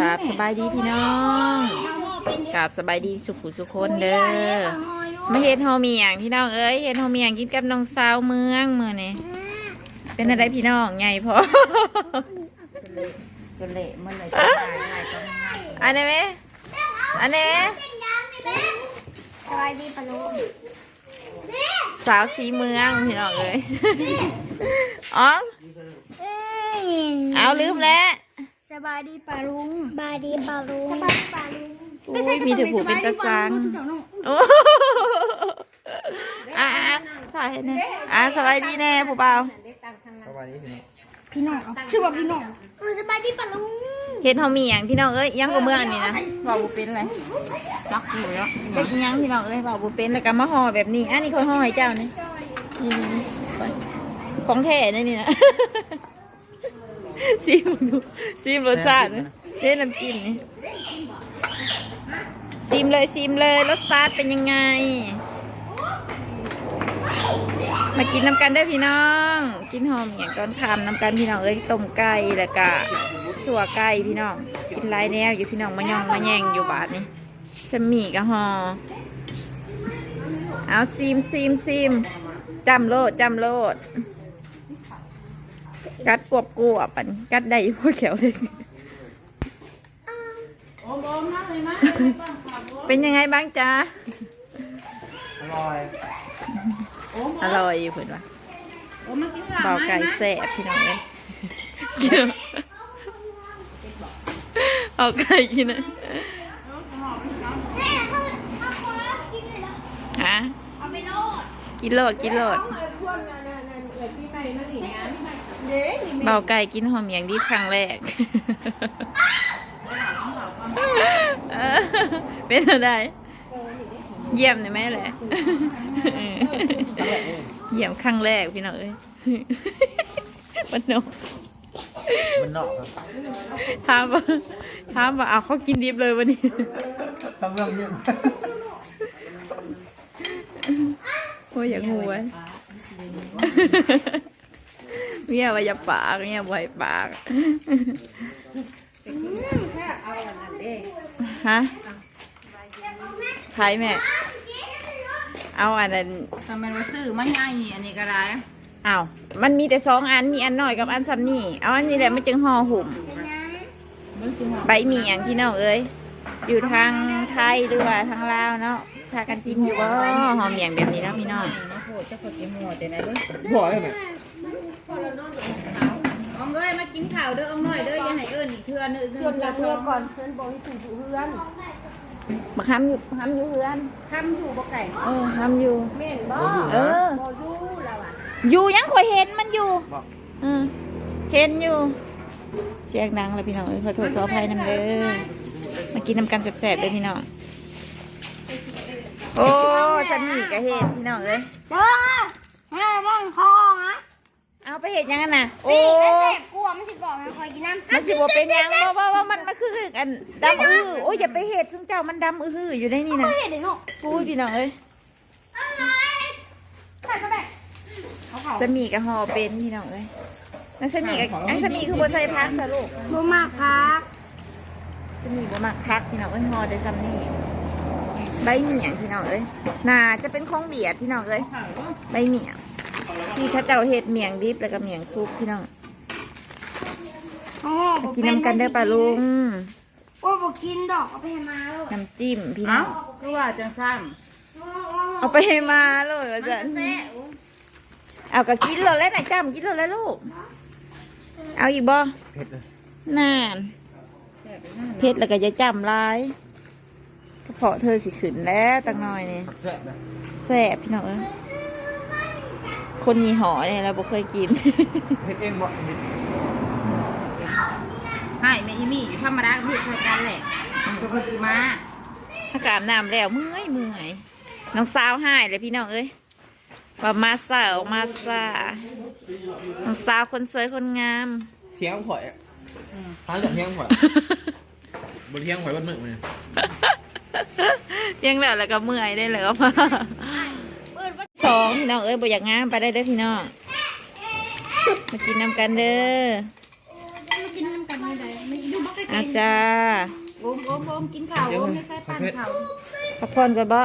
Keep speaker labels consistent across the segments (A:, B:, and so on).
A: ราบสบายดีพี่น้องกราบสบายดีสุขุสุคนเด้อมาเฮ็ดโฮมีอย่างพี่น้องเอ้ยเฮ็ดโฮมีอย่างกินกับน้องสาวเมืองมื้อนี้เป็นอะไรพี่น้องใหญ่พอ
B: จะเละมันเลยจะตายง่ายก็ง่าย
A: อันนี้ไหมอันนี้
C: สบายดีปะลุง
A: สาวสีเมืองพี่น้องเอ้ยอ๋อเอาลืมแล้ว
C: สบายดีปะลุงสบายดีปะลุงสบายดีปะลุง
A: อุ้ยมีถือผูเป็นตะซังโอ้ถ่ายให้แน่สบายดีแน่ผู้เบา
D: สบายดี
C: พี่น้องชื่อว่าพี่น้องสบายดีปะลุง
A: เห็นเขามีอย่างพี่น้องเอ้ยยังกับเมืองนี่นะบ่าวบุเป็นเลยรักอยู่แล้วเป็นยังพี่น้องเอ้ยบ่าวบุเป็นแล้วก็มาห่อแบบนี้อันนี้เขาห่อให้เจ้านี่นี่ของแท้นี่นะซีมดูซีมรสชาตินะเล่นน้ำจิ้มนี่ซีมเลยรสชาติเป็นยังไงมากินน้ำกันได้พี่น้องกินหอมอย่างตอนคำน้ำกันพี่น้องเอ้ยต้มไก่แล้วก็สัวไก่พี่น้องกินหลายแนวอยู่พี่น้องมาย่องมาแย่งอยู่บาทนี่จะมีกะหอเอาซีมจำโลดกัดกวบปันกัดได้พวกแขวเลยเป็นยังไงบ้างจ๊ะอร่อยอยู่เพื่อนวะเบาไก่แสบพี่น้องเลยเอาไก่กินนะฮะกินโลดเบาไก่กินหอมอย่างดีครั้งแรกเป็นอะไรเยี่ยมเลยไหมแหละเยี่ยมครั้งแรกพี่น้องเอ้ยมันนกถามว่าเอาเขากินดิบเลยวันนี้
D: ทำเรื่องเยี่ยม
A: โอ้ยอย่างงูไว้เมียว่าอย่าปากเมียบ่อยปากฮะใครแม่เอาอันนั้น
B: ทำไมว่าซื้อไม่ง่ายอันนี้ก็ได้
A: อ้าวมันมีแต่2 อันมีอันน้อยกับอันซ้ำนี่เอาอันนี้แหละมันจึงห่อหุ่มใบหมี่อย่างพี่น้องเอ้ยอยู่ทางไทยหรือว่าทางลาวเนาะพากันกินอยู่ว่าหอมอย่างแบบนี้นะพี่น้อง
B: มาโผล่จะขดกินหัวแต่ไหนด้วย
D: บ่อยไหม
B: เอาเงยมากินข่าวเด้อเอาหน่อยเด้ออย่าให้เอิ้นอีกเทื่อนึง
C: เพื่อนรักเพื่อนก่อนเพื่อนบอกให้ถึงเพื่อน
A: มาค้ำอยู่เพื่อน
C: ทำอยู่บ่ไก่
A: ค้ำอยู่
C: เม่นบ่บ่อยู่แล้วอ่ะ
A: อยู่ยังคอยเห็นมันอยู่เห็นอยู่เสียงดังเลยพี่น้องขอโทษขออภัยนำเด้อมากินน้ำกันแสบๆเลยพี่น้องโอ้ฉันมีกระเห็ดพี่น้องเลย
C: เจ้าแม่บ้องทองอ่ะ
A: เอาไปเห็ดยังไงน่ะโอ้
C: กลัวมันสิบอกให้คอยกินน้ำ
A: มันสิบเป็นยังว่ามันคือกันดำโอ้ยอย่าไปเห็ดซึ่งเจ้ามันดำอยู่ได้นี่นะ
C: เห็ดเลยเนาะ
A: พูดพี่น้องเลยสมีกับห่อเป็นพี่น้องเลยนั่นสมีกับอันสมีคือบัวไซพักสรุป
C: บัวมากพัก
A: สมีบัวมากพักพี่น้องเอ้ยห่อได้ซ้ำนี่ใบเหมี่ยงพี่น้องเอ้ยน่าจะเป็นของเบียดพี่น้องเอ้ยใบเหมี่ยงที่ข้าเจ้าเห็ดเมี่ยงดิบแล้วก็เมี่ยงซุปพี่น้องกินน้ำกันได้ปะลุง
C: โอ้บอกกินดอกเอาไปให้มาเลย
A: น้ำจิ้มพี่น้อง
B: ก็ว่าจังสั้น
A: เอาไปให้มาเลยว่าจะเอาก็กินเลยแล้วไหนจ้ำกินเลยแล้วลูกเอาอีกบ่
D: เผ็ดเลย
A: นานเผ็ดแล้วก็จะจำลายกระเพาะเธอสิขึ้นแล้วตั้งน้อยนี่แซ่บพี่น้องเอ้ยคนยี่ห้อเนี่ยเราบ่เคยกิน
D: เผ็ดเองบ่
B: ให้แม่อีมี่ธรรมดาเพื่อใช้กันแหละตัวคนสิมา
A: ถ้ากอาบน้ำแล้วเมื่อยน้องสาวหายเลยพี่น้องเอ้ยว่ามาสาวมาสาน้องสาวคนสวยคนงาม
D: เที่ยงข่อยท้ายจากเที่ยงข่อยบนเที่ยงข่อยบนมือมัน
A: ยังแล้วก็เมื่อยได้เลยก็มา2พี่น้องเอ้ยบ่อยากงามไปได้เด้อพี่น้องมากินน้ำกันเด้อ
C: มากินน้ำกันเลยไม่ดูบัก
A: อาจารย์
B: โอมกินข้าวโอมไม่ใช่ปั่นข้าว
A: พักผ่อนก่อนบ่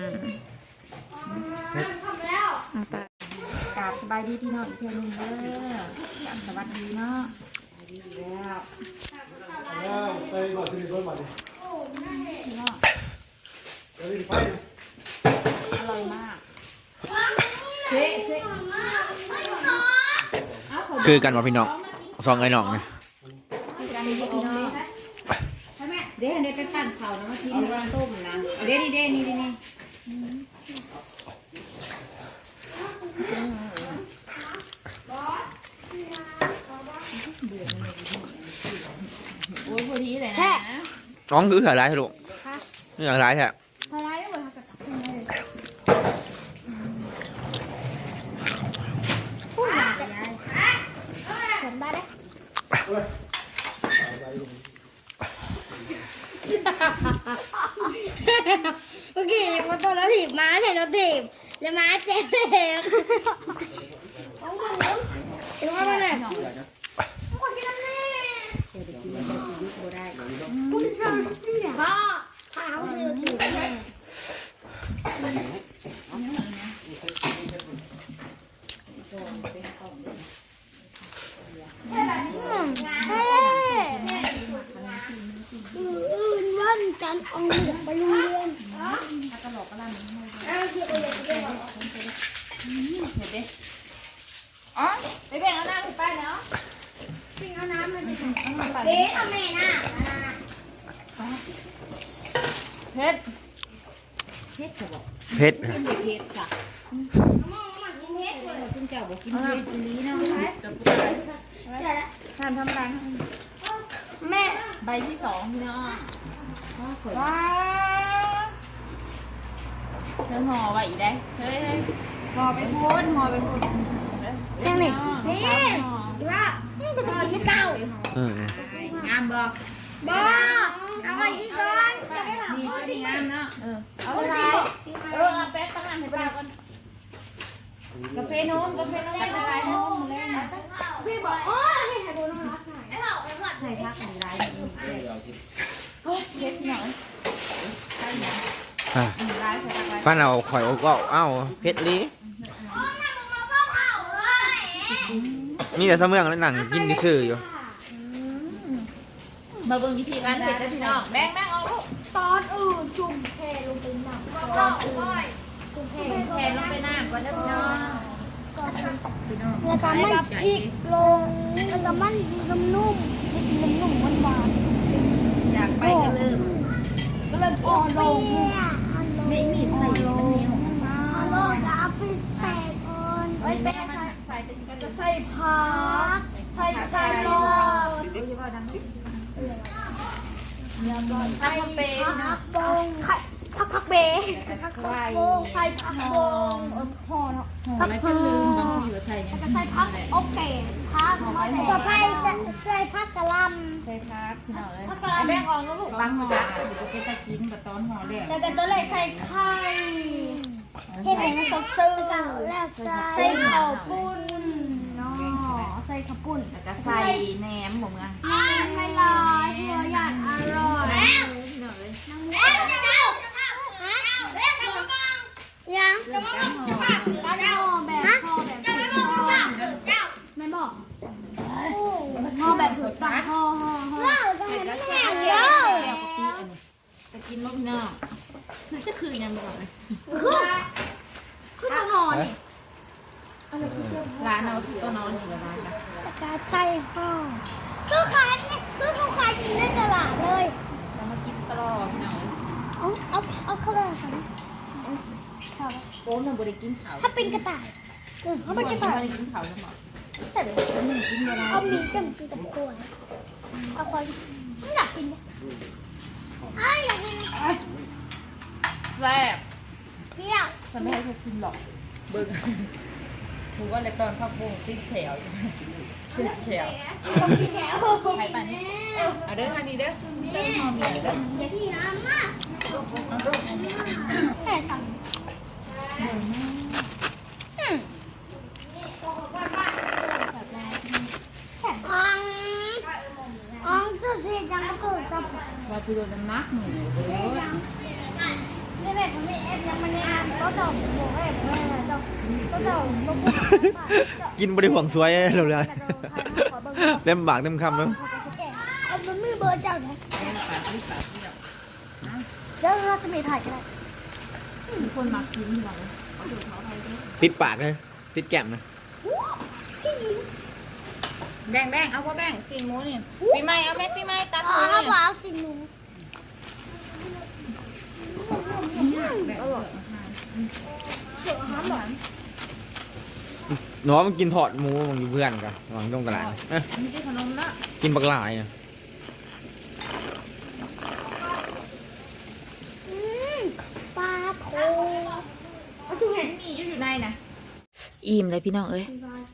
A: เอาไป
B: กราบสบายดีพี่น้องอีกเทื่อนึงเด้อกราบสวัสดีเนาะดีแล้ว
D: ไปก่อนที่รถมาดิ
B: อร่อยมากเซ่เซ่
D: คือกันว่าพี่น้องซองไอ้น้องเนี่ย
B: การนี้พี่น้องเดี๋ยวไปปั่นข้าวนะมาทิ้งไว้ต้มนะเดี๋ยวนี่โอ้ยพอดีเลยนะ
D: น้องคือเหลือไรลูกนี่เหลือไรแท้
C: พลายได้หมดค่ะพูดมาแต่เห็นบ้าได้โอเคมาตัวแล้วถีบม้าใส่แล้วถีบแล้วม้าเจ็บเลยลงมาเลยพ่อขาวเลยถีบเลยวันจันทร์เอาเด็กไปโรงเรียน
B: อ๋อไปแบ่งเอาน้ำไปเนาะ
C: ปิ้งเอาน้ำเลยเบ๊เอาแม่น่ะ
B: เพชรใช่บอก
D: เพชร
B: เป็นเพชรค่ะ
C: มองมันกินเพชรเลย
B: ซึ่งเจ้าบอกกินเพชรอีนี้เนาะ
A: ทานทำรัง
C: แม่
B: ใบที่2พี่น้อง
A: ว้
B: ว้า
A: า
B: เธอห่อไว้อีกได้เฮ้ยห่อไปพ้น
C: แม่นี่นี่ว่าพ่อที่เก่า
D: อืม
B: งามบ่
C: บ่เอาไปที่ก่อน
B: นี่ก็ดีงามเนาะเอาอะไรเอาแป๊บตั้งให้ป้าก่อนกาแฟโน้มกาแฟโน้มกาแฟโน้มเลย
C: พี่บอกโอ้ยให้ดูน้องรักไอ้เราไอ้พ่อ
B: ใส่ทักอะไรเพชรหน่อยใช่ไหม
D: อ่ะ
B: ร้ายใส่ทัก
D: ฟันเอาข่อยก็เอ้าเพชรลี
C: โอ้ยมึงมาพ่อเผาเลย
D: มีแต่เสมืองแล้วหนังกินที่ซื่ออยู่
B: มาเบิ่งวิธีการเสร็จแล้วพี่น้องแบ่งเอาลูก
C: ตอนอื่นจุ่มแพลงไปหนักตอนอื่นจุ่มแพ
B: แทนลงไปน้ำก่อนนะพี่น้อง
C: แล้วก็มันพริกลงแล้วก็มันนุ่มๆมันนุ่มๆหวาน
B: อยากไปก็เริ่ม
C: ๆก็เลยอ่อนลง
B: ไม่มีใส่มันเหนียว
C: เอาลงแล้วเอาไปใส่ก่อน
B: เฮ้ยแป้งใส่เป็นกันจะใส่
C: ผักใส่ไข่ลง
B: ใส่เปรี้ยวนะ
C: บงไข่ผักเบผักบงไข่ผักบงห่อเนาะ
B: ไม่เป็นลืมบางทีว่าใส่เนี่ย
C: ใส่ผักโอเคผักต่อไปใส่ผักกะหล่ำ
B: ใส่พักพี่น้องเลยแบ่งออกแล้วลูกบางห่อสิจะไปตะกินกับตอนห่อแรก
C: แล้วก็ตัวเลยใส่ไข่เห็นไหมมันซื่อแล้วใส่ข้าวปุ้นเนาะใส่ข้าวปุ้น
B: แล้วก็ใส่แหนมหมูงา
C: ไม่ลอยหัวหยาดอร่อยแล้วจะเดาฮะยังจะมาบอกจะมาแล้วห่อแบบห่อแบบจะไม่บอกเจ้าไม่บอกห่อแบบผืนปากห่อจะเห็นไม่แห้งเยอะ
B: ตะกินลูกพี่น้องจะคือยังบอกเลย
C: คือตัวนอน
B: ร้านเราคือตัวนอนอยู่ร้านนะ
C: กาไส้ห่อคือขายเนี่ยคือเขาขายกินในตลาดเลย
B: เรามากินตลอดพี่น้อง
C: เอาเข้าเลยค่ะ
B: โก้เนี่ยบริกินเขา
C: ถ้าเป็นกระต่ายเขาเป็นกระต่าย
B: บริกินเขาใช่ไหม
C: แต่เดี๋ยวมึงกินอะไรเอามีกับกินกับกล้วยเอาคนไม่อยากกินอยากกิน
B: แซ่บ
C: เปรี้ยว
B: ฉันไม่ให้เธอกินหรอกเบิ้งถือว่าในตอนข้าวโพดติดแถวติดแถว
C: ต้องกินแล้ว
B: ใครป่านนี้เอาเด้อทางนี้เด้อเด้อหอมเด้อ
C: อย่าที่น้ำนะแม่สั่งอ๋องสุดที่จังกับ
B: ว่าคือโดนน้ำหนักหนึ่งเลย
C: นี่แม่ผมไม่เอฟยังมันเนี่ยก็ต้องบอกให้ผมไม่ได้ต้องก็ต้องบอก
D: กินบริหวังสวยเลยเลยเต็มปากเต็มคำแล้ว
C: มันไม่เบอร์เจ้าไหนแล้วเราจะมีถ่ายกัน
B: มีคนมากินที่หลัง
D: ติดปากเลยติดแก้มนะ
B: แบ่งเอาว่าแบ่งซีนหมูนี่ปีใหม่เอาไหมปีใหม่ตัด
C: อ๋อ
B: หมู
C: ถ้า
B: นี่
C: บอกเอาสิ่งหนู
D: หนูว่ามันกินทอดหมูมันอยู่เพื่อนกันหวังตรงกระไร
B: มีที่ขนมละ
D: กินปลากลายนะ
C: ปลาโถ
B: เอาทุกเห็นมีอยู่ในนะ
A: อิ่มเลยพี่น้องเอ้ย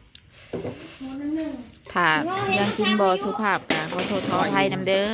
A: ถ้ายังกินบอสุภาพนะขอโทษขออภัยนำเด้อ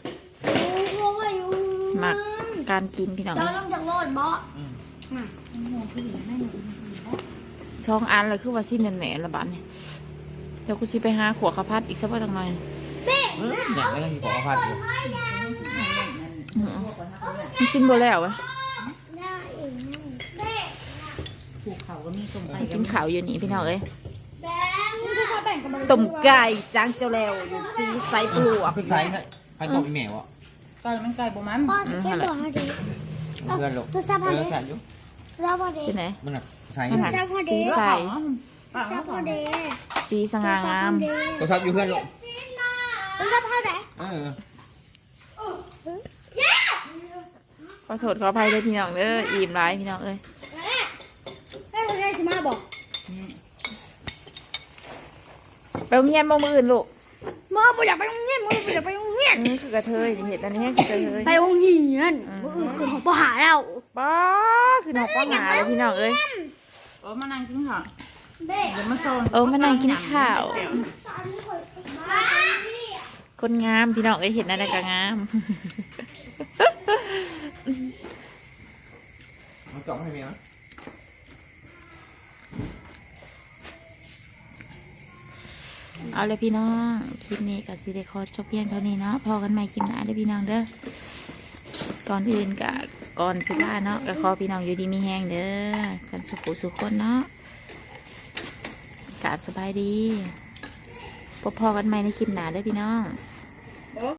A: มักการกินพี่น้อง
C: เจ้าต้องจากโลดบ่
A: ช่องอันเลยคือว่าสิ้นเดือนแหนละบาทนี่เดี๋ยวกูสิไปหาขวดข้าวผัดอีกสักวันตั้งหน่อย
D: เนี่ยแล้วก็มีของพัดอยู่
A: มันกินบ่แล้ววะ
B: ผูกเขาก็มีส่งไป
A: กินข้าวอยู่นี่พี่น้องเอ้ย
C: แบงค์คือเขาแบ่งกันมา
A: ต้มไก่จางเจ้าแล้วอยู่ซีไซปลวก
D: ขึ้นไซส์ให้ใครตกอีแมวอ่ะ
B: ไก่มันไก่บ่มัน
C: พ่อจะเก็บตัวให้ดี
D: เพื่อนลูก
C: ตัวซับพอดี
D: แสนอยู่
C: ซับพอดี
A: เป็นไหน
D: มันแบบไซส์
A: มันหักซีใส
C: ซับพอดี
A: ซีสง่างาม
D: ตัวซับอยู่เพื่อนลูก
C: มันซับพอดี
A: ขอโทษขออภัยเลยพี่น้องเด้ออิ่มร้ายพี่น้องเอ้ย
C: แม่คนนี้สิมาบอก
A: ไปโรงเรียนบ่มื้ออื่นลูก
C: มึงไม่อยากไปโรงเรียนมึงไม่อยากไปโรงเรียน
A: นี่คือกระเทยนี่เห็นอันนี้คือกระเทย
C: ไปโรงเรียนมึงคือของปหาแล้ว
A: ป้าคือน้องป้าหาเลยพี่น้องเอ้ย
B: โอ้มานั่งกินข้าว
C: เบ้
B: เดี๋ยวมาโซน
A: มานั่งกินข้าว คนงามพี่น้องเอ้ยเห็นอะไรก็งาม
D: มันจ่องให้เมียนะ
A: เอาเลยพี่น้องคลิปนี้กับซีเดคอจบเพียงเท่านี้เนาะพอกันใหม่คลิปหน้าเด้อพี่น้องเด้อก่อนอื่นกับก่อนสิบ้าเนาะก็ขอพี่น้องอยู่ดีมีแห้งเด้อกันสุขุสุขคนเนาะกราบสบายดีพบพอกันใหม่ในคลิปหน้าเด้อพี่น้อง